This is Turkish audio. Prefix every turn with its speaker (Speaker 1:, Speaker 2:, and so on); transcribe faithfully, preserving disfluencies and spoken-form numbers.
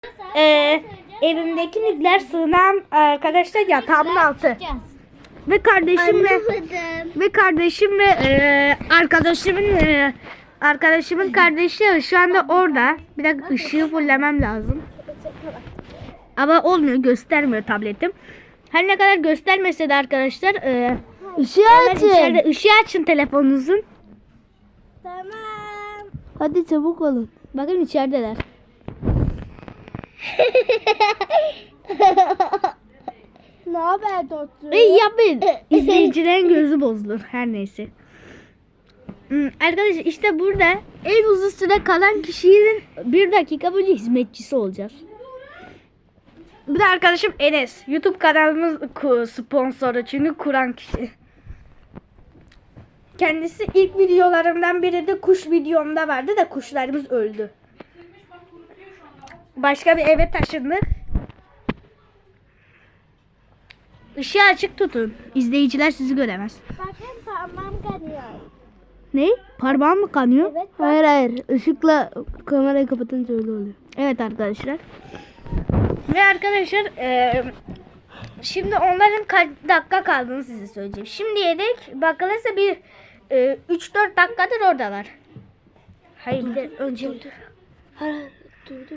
Speaker 1: Ee, evimdeki nükleer sığınan arkadaşlar yatağımın altı. Ve kardeşimle ve kardeşimle e, arkadaşımın e, arkadaşımın kardeşi şu anda orada. Bir dakika ışığı fullemem lazım. Ama olmuyor, göstermiyor tabletim. Her ne kadar göstermese de arkadaşlar e,
Speaker 2: Işığı açın.
Speaker 1: içeride ışığı açın telefonunuzun.
Speaker 3: Tamam.
Speaker 2: Hadi çabuk olun.
Speaker 1: Bakın içerideler.
Speaker 3: Ne haber dostum?
Speaker 1: Ey yapmayın. İzleyicilerin gözü bozulur. Her neyse. Hmm, arkadaşlar işte burada en uzun süre kalan kişinin bir dakika boyunca hizmetçisi olacağız. Bir de arkadaşım Enes. YouTube kanalımız ku- sponsoru çünkü kuran kişi. Kendisi ilk videolarımdan biri de kuş videomda vardı da kuşlarımız öldü. Başka bir eve taşındık. Işığı açık tutun. İzleyiciler sizi göremez.
Speaker 3: Bakın parmağım kanıyor.
Speaker 1: Ne? Parmağım mı kanıyor?
Speaker 3: Evet.
Speaker 2: Hayır hayır. Işıkla kamerayı kapatınca öyle oluyor.
Speaker 1: Evet arkadaşlar. Ve arkadaşlar eee, şimdi onların kaç dakika kaldığını size söyleyeceğim. Şimdiye dek bakılırsa bir üç dört dakikadır oradalar. Hayır bir de önce
Speaker 2: Hayır, hayır. Dur dur.